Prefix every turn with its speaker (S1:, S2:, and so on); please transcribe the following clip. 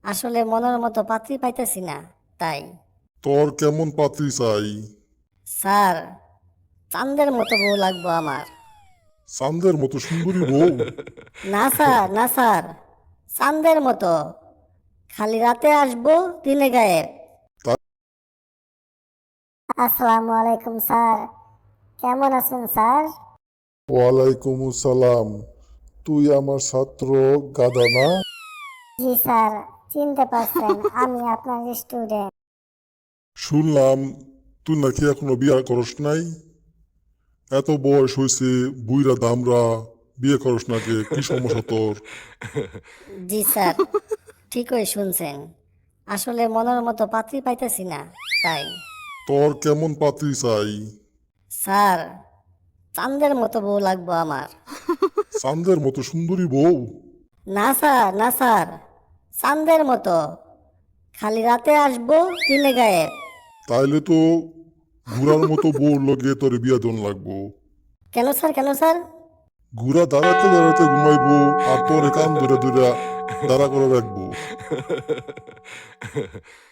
S1: আসলে মনের মতো পাত্রী পাইতেছি না, তাই।
S2: তোর কেমন পাত্রী চাই?
S1: স্যার, চাঁদের মতো বউ লাগবো আমার।
S2: চাঁদের মতো সুন্দরী বউ?
S1: না স্যার, না স্যার, চাঁদের মতো, খালি রাতে আসবো, দিনে গায়েব।
S2: তা-
S1: আসসালামু আলাইকুম স্যার, কেমন আছেন স্যার?
S2: ওয়ালাইকুম আসসালাম। তুই আমার ছাত্র গাদা না?
S1: জি স্যার, চিনতে পারছেন আমি আপনার স্টুডেন্ট।
S2: শুনলাম তুই নাকি এখনো বিয়ে করস নাই। এত বয়স হয়েছে, বুইরা দামরা, বিয়ে করস না কে? কি সমস্যা তোর?
S1: জি স্যার, ঠিকই শুনছেন, আসলে মনের মতো পাত্রী পাইতেছি না, তাই।
S2: তোর কেমন পাত্রী চাই?
S1: স্যার, চাঁদের মতো বউ লাগবো আমার।
S2: চাঁদের মতো সুন্দরী বউ?
S1: না স্যার, না স্যার, চাঁদের মতো, খালি রাতে আসবো, দিনে গায়েব।
S2: তাইলে তো ঘোড়ার মতো বউর লগে তোর বিয়া দন লাগবো।
S1: কেন স্যার, কেন স্যার?
S2: ঘোড়া দাঁড়াতে দাঁড়াতে ঘুমাইবো, আর তোর কান ধরে ধরে দাঁড়া করে রাখবো।